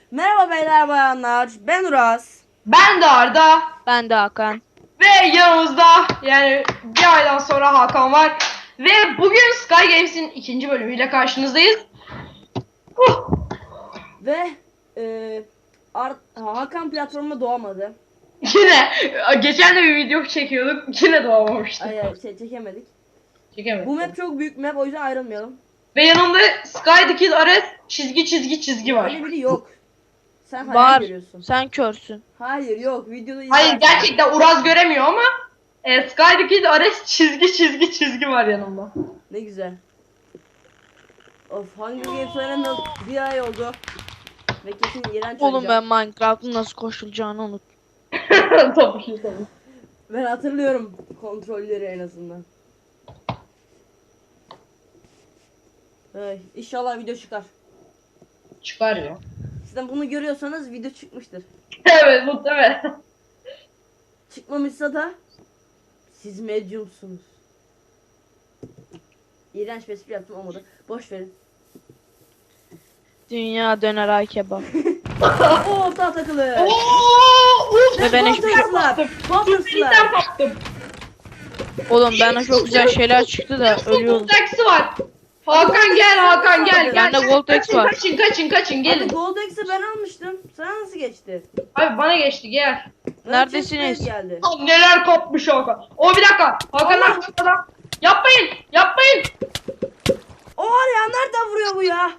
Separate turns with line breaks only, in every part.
Merhaba beyler bayanlar. Ben Uras.
Ben de Arda
Ben de Hakan.
ve yanımızda yani bir aydan sonra Hakan var. Ve bugün Sky Games'in ikinci bölümüyle karşınızdayız.
Ve Hakan platformuna doğamadı.
Yine geçen de bir video çekiyorduk. Yine doğamamıştık.
Ay, çekemedik.
Çekemedik.
Bu map çok büyük map, o yüzden ayrılmayalım.
Ve yanımda Sky the Kid Ares çizgi var.
Öyle biri yok. Sen hayal
Var.
görüyorsun.
Sen körsün.
Hayır, yok. Videoda
Hayır
izlersin.
gerçekten Uraz göremiyor ama Sky the Kid Ares çizgi var yanımda.
Ne güzel. Of, Hunger Games oynamıyor. Bir ay oldu. Ve kesin iğrenç
Oğlum ben
oynayacağım.
Minecraft'ın nasıl koşulacağını unut.
tabii.
Ben hatırlıyorum kontrolleri en azından. Ay, İnşallah video çıkar.
Çıkar ya.
Sizden bunu görüyorsanız video çıkmıştır.
Evet muhtemelen.
Çıkmamışsa da siz medyumsunuz. İğrenç bir espri yaptım, olmadı. Boş verin.
Dünya döner ay kebap.
Oo, daha takılı.
Uf,
Ve ben hiçbir şey...
Bumper
Birlikten
slap.
baktım.
Oğlum bana çok güzel şeyler çıktı da ölüyorum.
Taksi var. Hakan gel, Hakan gel.
Bende Gold X var.
Kaçın
Abi
gelin.
Gold X'i ben almıştım. Sana nasıl geçti?
Abi bana geçti gel.
Neredesiniz?
Chestplate geldi.
Lan neler kapmış Hakan. O bir dakika. Hakan
Allah!
arkada. Yapmayın.
O var ya, nereden vuruyor bu ya?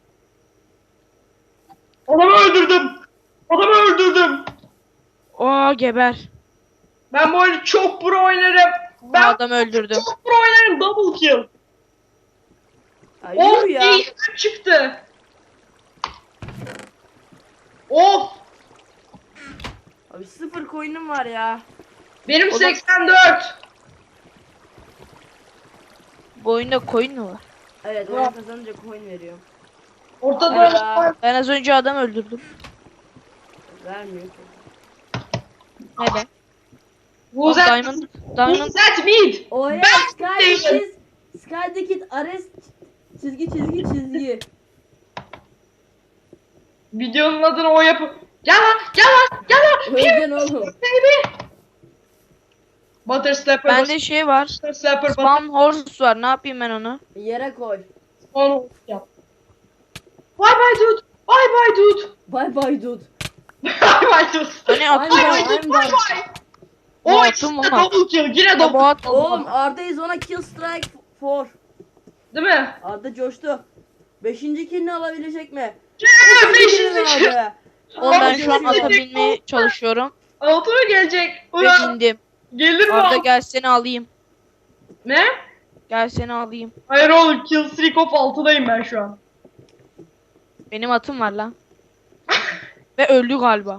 Adamı öldürdüm.
Oo geber.
Ben bu oyunu çok pro oynarım. Ben
Adam öldürdüm.
çok pro oynarım, double kill.
Ay,
Of
yürü ya.
iyi çıktı. Of.
Abi 0 coin'im var ya.
Benim
O da-
84.
Bu oyunda coin mi var?
Evet, oyun kazanınca coin veriyor.
Ortada
Ya.
Ben az önce adam öldürdüm.
Vermiyor.
Neden?
Who's
Aa,
that?
Diamond.
Who's that mid?
O ya,
değilim.
Sky the Kid Ares çizgi.
Videonun adını o yapı. Gel lan.
Öleceksin oğlum.
Baby. Butter slapper.
Bende şey var.
Butter slapper.
Spawn horse var. Ne yapayım ben onu?
Yere koy.
Onu yap. Bye bye dude. Bye dude.
Bye bye dude.
Bye dude.
Hani
I'm
atım
done,
var.
I'm done.
Bu
O
atım
işte
var.
double kill. Yine
Ya bu
double
at.
Oğlum, Arda is ona kill strike 4.
değil mi?
Arda coştu. 5. killini alabilecek mi?
Yeah,
Killini
beşinci.
aldı.
Oğlum ben şu an
Aldı.
ata binmeye çalışıyorum.
Altı mı gelecek?
Ve
Ulan
bindim.
gelir mi?
Arda gel seni alayım.
Ne?
Gel seni alayım.
Hayır oğlum kill streak of 6'dayım ben şu an.
Benim atım var lan. Ve öldü galiba.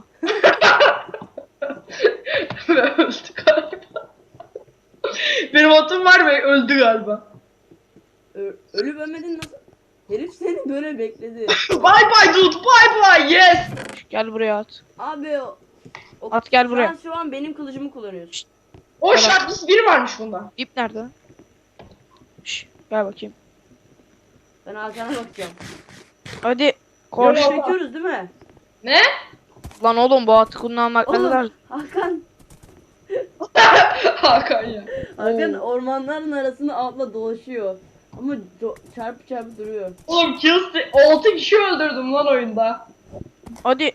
Ve öldü galiba. Benim atım var ve öldü galiba.
Ölüp ölmedin nasıl? Herif seni böyle bekledi.
Bye bye dude. Bye yes.
Gel buraya at.
Abi
At gel buraya.
Sen şu an benim kılıcımı kullanıyorsun.
O
Evet.
şartlısı biri varmış bunda.
İp nerede? Şş, gel bakayım.
Ben Hakan'a bakacağım.
Hadi koş.
Yok.
Çekiyoruz değil mi?
Ne?
Lan oğlum bu atı kullanmak ne
Oğlum,
kadar...
Hakan
Hakan ya.
Hakan ormanların arasında atla dolaşıyor. Ama çarpı duruyor.
Oğlum kill streak 6 kişi öldürdüm lan oyunda.
Hadi.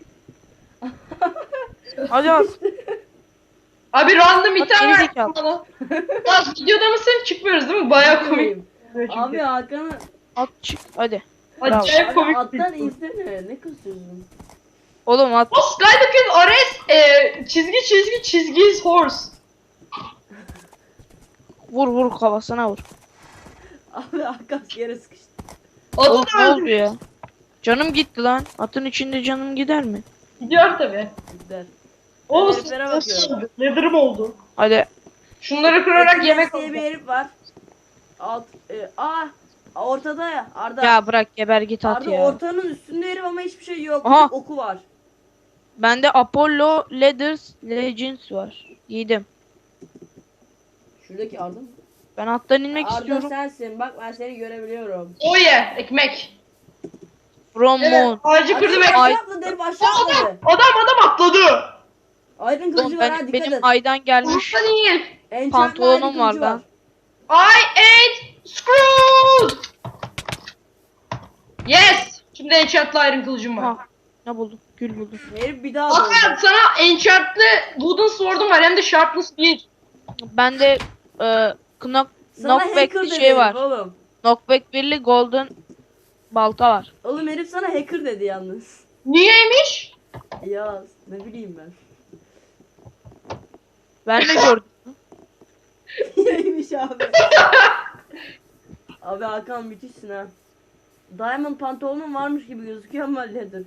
Hadi at.
Abi random
Bak,
item
geri
ver
zekalı.
bana. Lan videoda mısın? Çıkmıyoruz değil mi? Baya komik.
Abi Hakan'ı
At çık. Hadi. Bravo.
Acayip
abi
komik.
attan insene, ne kızıyorsun?
Oğlum at.
O Skylock'ın Ares çizgi horse.
Vur kafasına vur.
Abi Hakan yere sıkıştı.
Oğlum
Atı
ne
da
oldu
öldü.
ya? Canım gitti lan. Atın içinde canım gider mi?
Gidiyor tabi.
Güzel.
O
Heriflere bakıyorum.
Leather'ım oldu.
Hadi.
Şunları kırarak
Enes
yemek
diye
oldu.
bir herif var. Ortada ya Arda.
Ya bırak geber git at
Arda
ya.
ortanın üstünde herif ama hiçbir şey yok.
Aha.
Bir oku var.
Bende Apollo Legends var. Giydim.
Şuradaki Arda mı?
Ben attan inmek
Arda
istiyorum.
sensin. Bak, ben seni görebiliyorum.
O ye ekmek.
From
Evet,
moon.
ağacı kırdı ve
Aşağı atladı herif, aşağı atladı.
adam atladı.
Aydın
Oğlum
kılıcı var ha, dikkat
benim
et.
aydan gelmiş
Usta değil.
Enchantment
pantolonum
Aydın
var
kılıcı
lan.
I ate screwed. Yes. Şimdi enchantlı iron kılıcım var.
Ha, ne buldum? Gül buldum.
Herif bir daha
Hakan
doğdu.
sana enchantlı wooden sword'um var hem de sharpness 1.
Bende
Sana
knockback
hacker
bir
dedi
şey
herif
var.
oğlum.
Knockback birli golden balta var.
Oğlum herif sana hacker dedi yalnız.
Niyeymiş?
Ya ne bileyim ben.
Ben de gördüm.
Neymiş abi. Abi Hakan müthişsin ha. Diamond pantolonun varmış gibi gözüküyor ama leather.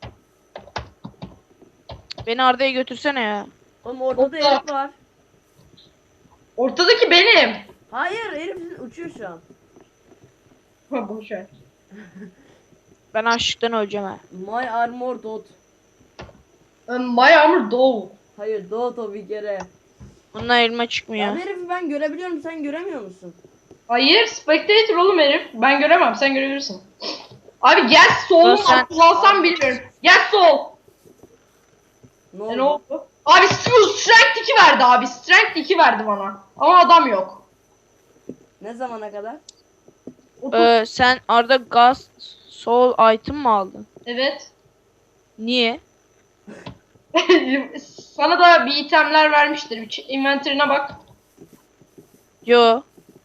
Beni Arda'ya götürsene ya.
Oğlum ortada herif var.
Ortadaki benim.
Hayır herif uçuyor şu an.
Ha boş ver.
Ben açlıktan öleceğim ha.
My armor dot.
My armor dove.
Hayır dot o bir kere.
Bundan elma çıkmıyor.
Abi herifi ben görebiliyorum, sen göremiyor musun?
Hayır, spectator oğlum herif. Ben göremem, sen görebilirsin. Abi gel sol'u
Sen-
kullansam bilmiyorum. Gel sol.
Ne
Ne
oldu?
oldu? Abi strength 2 verdi abi. Strength 2 verdi bana. Ama adam yok.
Ne zamana kadar?
Sen Arda gaz soul item mı aldın?
Evet.
Niye?
Sana da bir itemler vermiştir. Bir inventory'ine bak.
Yo.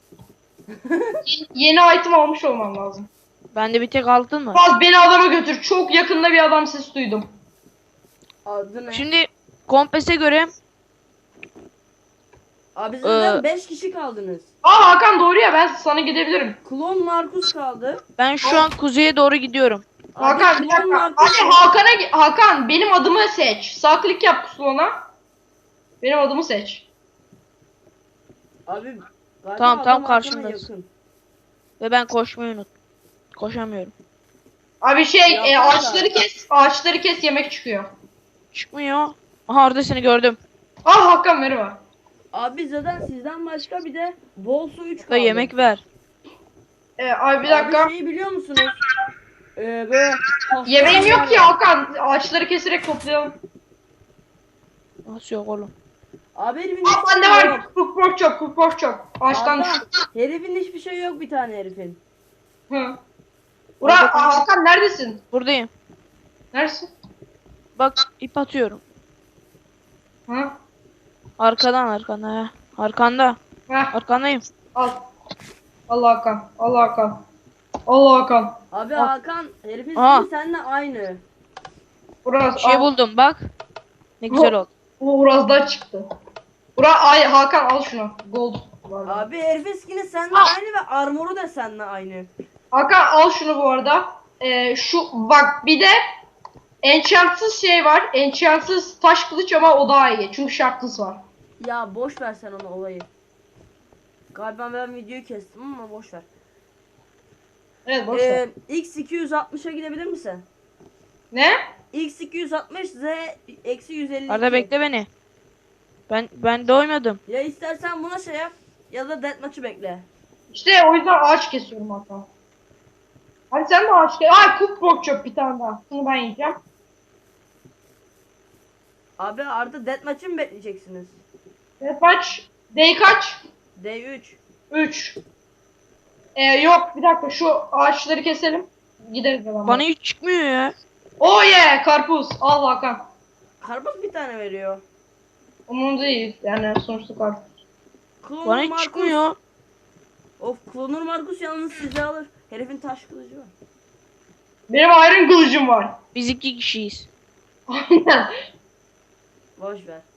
Yeni item almış olman lazım.
Bende bir tek altın mı?
Baz beni adama götür. Çok yakında bir adam sesi duydum.
Adı ne?
Şimdi kompese göre
Abi zaten 5 kişi kaldınız.
Aa Hakan doğru ya, ben sana gidebilirim.
Klon Markus kaldı.
ben şu an kuzeye doğru gidiyorum.
Hakan bir
klon
dakika.
Markus.
Abi Hakan benim adımı seç. Sağ klik yap pusulana. Benim adımı seç.
Abi galiba
Tamam,
adam Hakan'a
karşımdayız.
yakın.
Ve ben koşmayı unuttum. Koşamıyorum.
Abi
Yapma
ağaçları
da.
kes. Ağaçları kes, yemek çıkıyor.
Çıkmıyor. Aha Arda seni gördüm.
Ah Hakan merhaba.
Abi zaten sizden başka bir de bol su 3
Da
kaldı.
yemek ver.
Abi bir dakika.
Abi şeyi biliyor musunuz? Böyle
Yemeğim yok
var
ki
ya.
Hakan. Ağaçları keserek toplayalım.
Nasıl yok oğlum?
Abi herifin
Aa
hiçbir
bende
şey
var.
yok.
Cook pork chop. Ağaçtan
Arda,
düştü.
herifin hiçbir şey yok bir tane herifin.
Hı. Hakan neredesin?
Buradayım.
Neredesin?
Bak ip atıyorum.
Hı?
Arkanda ha. Arkanda.
Heh,
Arkandayım.
al. Allah Hakan. Allah Hakan. Allah Hakan.
Abi
Ah.
Hakan herifin
Ah.
skin'i seninle aynı.
Uraz.
Bir şey buldum bak. Ne güzel oldu.
Uraz'dan çıktı. Hakan al şunu. Gold.
Abi herifin skin'i seninle
Ah.
aynı ve armoru da seninle aynı.
Hakan al şunu bu arada. Şu bak bir de enchantsız şey var. Enchantsız taş kılıç ama o daha iyi. Çünkü sharpness var.
Ya boş ver sen onu olayı. Galiba ben videoyu kestim ama boş ver.
Evet boş ver.
X260'a gidebilir misin?
Ne?
X260 Z eksi 152.
Arda bekle beni. Ben doymadım.
Ya istersen buna şey yap ya da deathmatch'ı bekle.
İşte o yüzden ağaç kesiyorum Hakan. Hadi sen de ağaç kes. Ay cook pork chop bir tane daha. Bunu ben yiyeceğim.
Abi Arda deathmatch'ı mı bekleyeceksiniz?
Evet kaç? Day kaç?
D3.
3. Yok bir dakika şu ağaçları keselim. Gideriz hemen.
Bana hiç çıkmıyor ya.
Oh yeah karpuz. Al Hakan.
Karpuz bir tane veriyor.
Onun değil yani sonuçta karpuz.
Klonur
Bana hiç
Markus.
çıkmıyor.
Of Klonur Markus yalnız sizi alır. Herifin taş kılıcı var.
Benim iron kılıcım var.
Biz 2 kişiyiz.
Aynen.
Boş ver.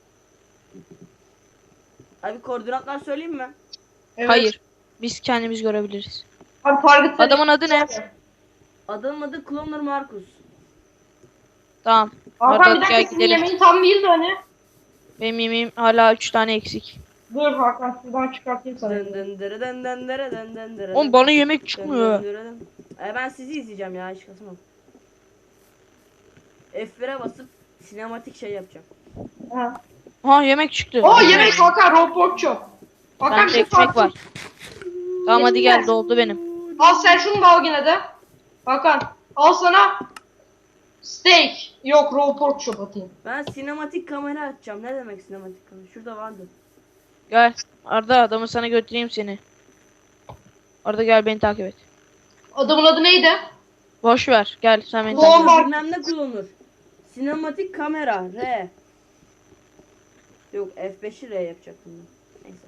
Abi koordinatlar söyleyeyim mi?
Evet.
Hayır. Biz kendimiz görebiliriz.
Abi target'ları...
Adamın adı ne?
Adamın adı Klonur Markus.
Tamam.
Hakan
Arda
bir dakika
gel
senin
gidelim.
yemeğin tam değildi hani.
Benim yemeğim hala 3 tane eksik.
Dur Hakan şuradan çıkartayım sana.
Dın dın dırı dın dın dırı dın dın dırı
Oğlum
dın.
bana yemek
Dın
çıkmıyor.
dın dırı dın. Ben sizi izleyeceğim ya hiç kasmam. F1'e basıp sinematik şey yapacağım.
Ha.
Ha yemek çıktı.
Oo yemek Hakan raw pork chop. Hakan
Bende
bir şey
ekmek var.
farklı.
Tamam hadi gel doldu benim.
Al sen şunu da al yine de. Hakan Al sana steak. Yok, raw pork chop atayım.
Ben sinematik kamera açacağım. Ne demek sinematik kamera? Şurada vardı.
Gel. Arda adamı sana götüreyim seni. Arda gel beni takip et.
Adamın adı neydi?
Boş ver. Gel sen beni
Oğlum
takip et.
var.
Bilmem ne kullanılır. Sinematik kamera. R. Yok F5'i R yapacaktım ben. Neyse.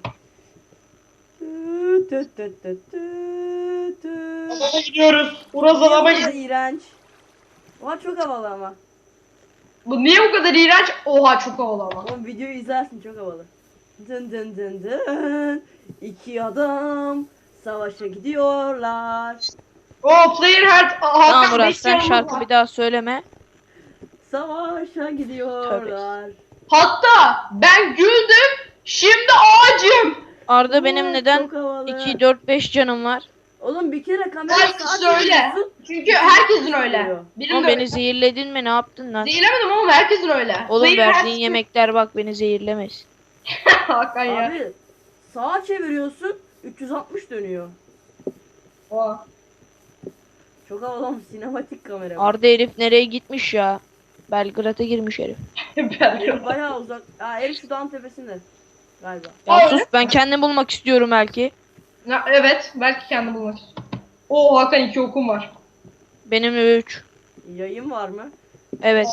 Adama gidiyoruz. Uraz adama
Niye bu
gidiyor.
kadar iğrenç? Oha çok havalı ama.
Bu niye bu kadar iğrenç? Oha çok havalı ama.
Oğlum videoyu izlersin çok havalı. Dın dın dın dın. İki adam savaşa gidiyorlar.
Oh, player heart.
Tamam
Hakan
Murat
beş
sen
yanımız
şarkı
var.
bir daha söyleme.
Savaşa gidiyorlar.
Hatta ben güldüm. Şimdi ağacım.
Arda benim
Oo,
neden
çok havalı.
2, 4, 5 canım var?
Oğlum bir kere kamera
Herkes
sağa
öyle.
çeviriyorsun.
Çünkü herkesin öyle. Benim
Oğlum
de
beni
öyle.
zehirledin mi? Ne yaptın lan?
Zehirlemedim oğlum, herkesin öyle.
Oğlum
Player
verdiğin
heart-
yemekler bak beni zehirlemez.
Hakan ya.
Abi sağa çeviriyorsun 360 dönüyor.
Oha.
Çok havalı ama sinematik kamera.
Arda herif nereye gitmiş ya? Belgrad'a girmiş herif.
Herif bayağı uzak. Aa herif şu dağın tepesinde. Galiba.
Ya
Aa,
sus
öyle
ben kendim bulmak istiyorum belki.
Evet, belki kendi bulmak istiyorum. Oo Hakan 2 okum var.
Benim 3.
Yayın var mı?
Evet.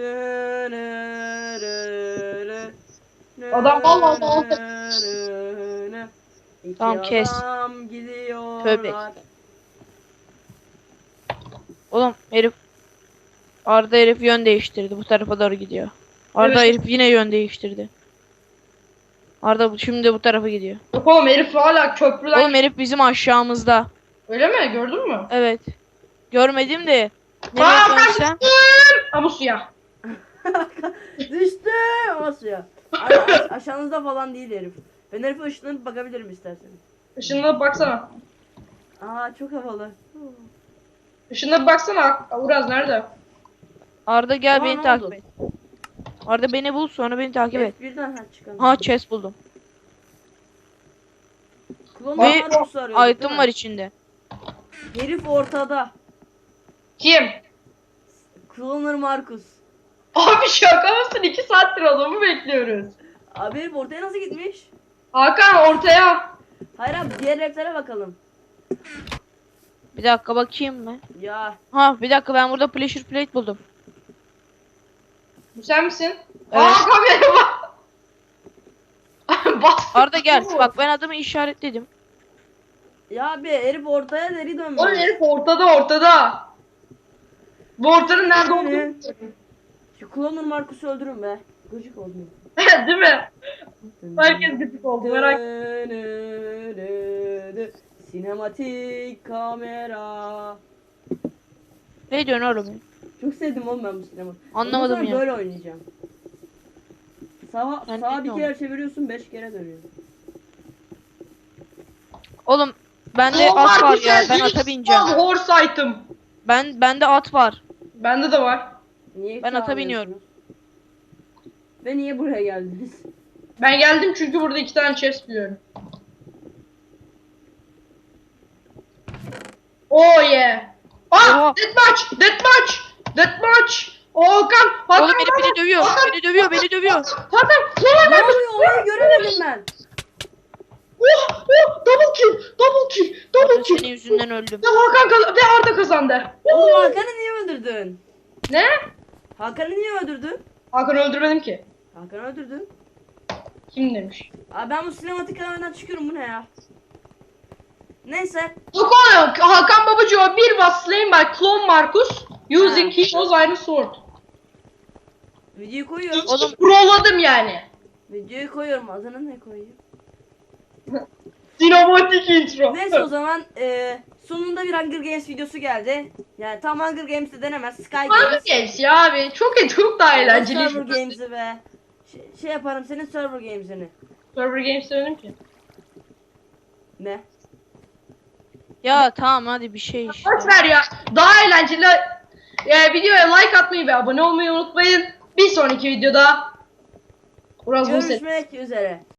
Adam vallahi
İki
Tamam, kes.
adam gidiyorlar.
Tövbe. Oğlum herif Arda herif yön değiştirdi. Bu tarafa doğru gidiyor. Arda
Evet.
herif yine yön değiştirdi. Arda şimdi bu tarafa gidiyor.
Yok oğlum, herif hala köprüden.
Oğlum herif bizim aşağımızda.
Öyle mi? Gördün mü?
Evet. Görmedim de.
Aa,
Nereye
ben
dönsem?
Ama suya.
Düştü ama suya. Aşağınızda falan değil herif. Ben herife ışınlanıp bakabilirim isterseniz.
Işınına baksana.
Aa çok havalı.
Işınına baksana. Uraz nerede?
Arda gel
Aa,
beni
ne
takip
oldu?
et. Arda beni bul sonra beni takip et.
Birden çıkalım.
Ha chest buldum.
Klon
Ve
Marcus'u arıyorduk, değil
item
mi?
var içinde.
Herif ortada.
Kim?
Cloner Marcus.
Abi şaka mısın? 2 saattir adamı bekliyoruz.
Abi herif ortaya nasıl gitmiş?
Hakan ortaya.
Hayır abi diğer heriflere bakalım.
Bir dakika bakayım mı?
Ya
Ha bir dakika ben burada pressure plate buldum.
Bu sen misin?
Evet.
Aa kamera bak. Bas.
Arda gel. Bak ben adamı işaretledim.
ya abi herif ortaya deri dönmüş.
Oğlum herif ortada. Bu ortanın nerede olduğunu
Ne? Şu Cloner Marcus'u öldürün be. Gıcık oldum.
değil mi? Herkes gıcık oldu, merak
Sinematik kamera.
Ne diyorsun oğlum?
Çok sevdim oğlum ben bu sinema.
Anlamadım
Ondan sonra
ya.
böyle oynayacağım. Sağa
Ben
bir
bilmiyorum.
kere çeviriyorsun 5 kere dönüyor.
Oğlum bende at var ya. Ben ata bineceğim.
Horse item.
Bende at var.
Bende de var.
Niye
Ben ata
çağırıyorsunuz?
biniyorum.
Ve niye buraya geldiniz?
Ben geldim çünkü burada 2 tane chest biliyorum. Oh yeah.
Oha.
Ah, deathmatch. Hakan.
Oğlum herif beni dövüyor. Beni dövüyor.
Hakan.
Ne oluyor? Olayı göremedim ben.
Oh, double kill.
Arda senin yüzünden öldüm.
Ve Hakan ve Arda kazandı.
Oğlum Hakan'ı niye öldürdün?
Ne?
Hakan'ı niye öldürdün?
Hakan öldürmedim ki.
Hakan'ı öldürdün.
Kim demiş?
Abi ben bu sinematik kameradan çıkıyorum bu ne ya? Neyse.
Yok oğlum, Hakan Babacıo bir was slain by Clone Marcus using his iron sword.
Videoyu koyuyorum.
Oğlum.
Prolladım yani.
Videoyu koyuyorum. Adını ne koyayım?
Sinematik intro.
Neyse o zaman sonunda bir Hunger Games videosu geldi. Yani tam Hunger Games'te denemez. Sky
Hunger
Games.
Games ya abi. Çok daha eğlenceli.
Server Games'i be. Şey yaparım senin Server Games'ini.
Server Games demedim ki.
Ne?
Ya tamam hadi bir şey işte.
Boş ver ya. Daha eğlenceli. Videoya like atmayı ve abone olmayı unutmayın. Bir sonraki videoda Uraz Muset.
Görüşmek üzere.